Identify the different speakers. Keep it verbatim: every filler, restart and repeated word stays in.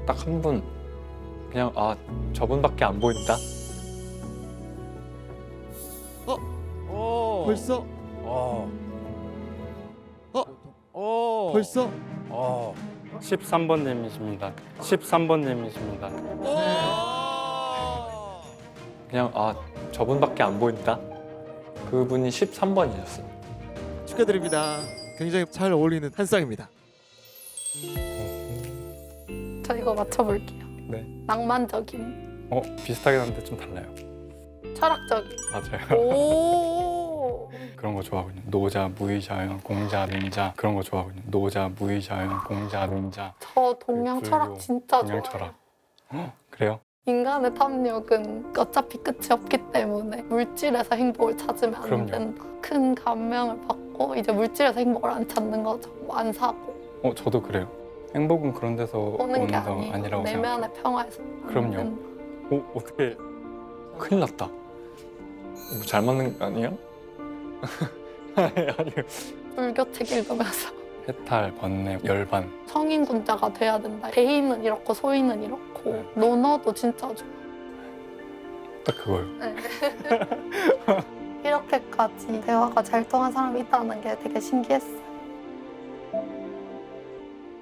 Speaker 1: 딱 한 분 그냥 아 저분밖에 안 보인다.
Speaker 2: 어.
Speaker 3: 벌써
Speaker 2: 어.
Speaker 3: 어?
Speaker 2: 어.
Speaker 3: 벌써
Speaker 2: 어.
Speaker 4: 십삼 번님이십니다. 십삼 번님이십니다.
Speaker 2: 어.
Speaker 1: 그냥 아 저분밖에 안 보인다. 그분이 십삼 번이셨어요.
Speaker 3: 축하드립니다. 굉장히 잘 어울리는 한 쌍입니다.
Speaker 5: 저 이거 맞춰볼게요.
Speaker 4: 네.
Speaker 5: 낭만적인,
Speaker 4: 어 비슷하긴 한데 좀 달라요.
Speaker 5: 철학적인.
Speaker 4: 맞아요.
Speaker 5: 오.
Speaker 4: 그런 거 좋아하거든요. 노자, 무의자연, 공자, 능자 그런 거 좋아하거든요. 노자, 무의자연, 공자, 능자.
Speaker 5: 저 동양
Speaker 4: 불교,
Speaker 5: 철학 진짜
Speaker 4: 동양
Speaker 5: 좋아해요.
Speaker 4: 철학. 어, 그래요?
Speaker 5: 인간의 탐욕은 어차피 끝이 없기 때문에 물질에서 행복을 찾으면 안
Speaker 4: 그럼요.
Speaker 5: 된다. 큰 감명을 받고 이제 물질에서 행복을 안 찾는 거죠. 뭐안 사고
Speaker 4: 어 저도 그래요. 행복은 그런 데서
Speaker 5: 오는
Speaker 4: 오는
Speaker 5: 게
Speaker 4: 거
Speaker 5: 아니에요.
Speaker 4: 아니라고 생각해요.
Speaker 5: 내면의 평화에서.
Speaker 4: 그럼요.
Speaker 5: 오는
Speaker 4: 어 어떻게?
Speaker 1: 큰일 났다. 이거 잘 맞는 거 아니에요?
Speaker 4: 아니요.
Speaker 5: 불교 책 읽으면서
Speaker 4: 해탈, 번뇌, 열반.
Speaker 5: 성인군자가 돼야 된다. 대인은 이렇고 소인은 이렇고 논어도 진짜 좋아.
Speaker 4: 딱 그거요.
Speaker 5: 네. 이렇게까지 대화가 잘 통한 사람이 있다는 게 되게 신기했어요.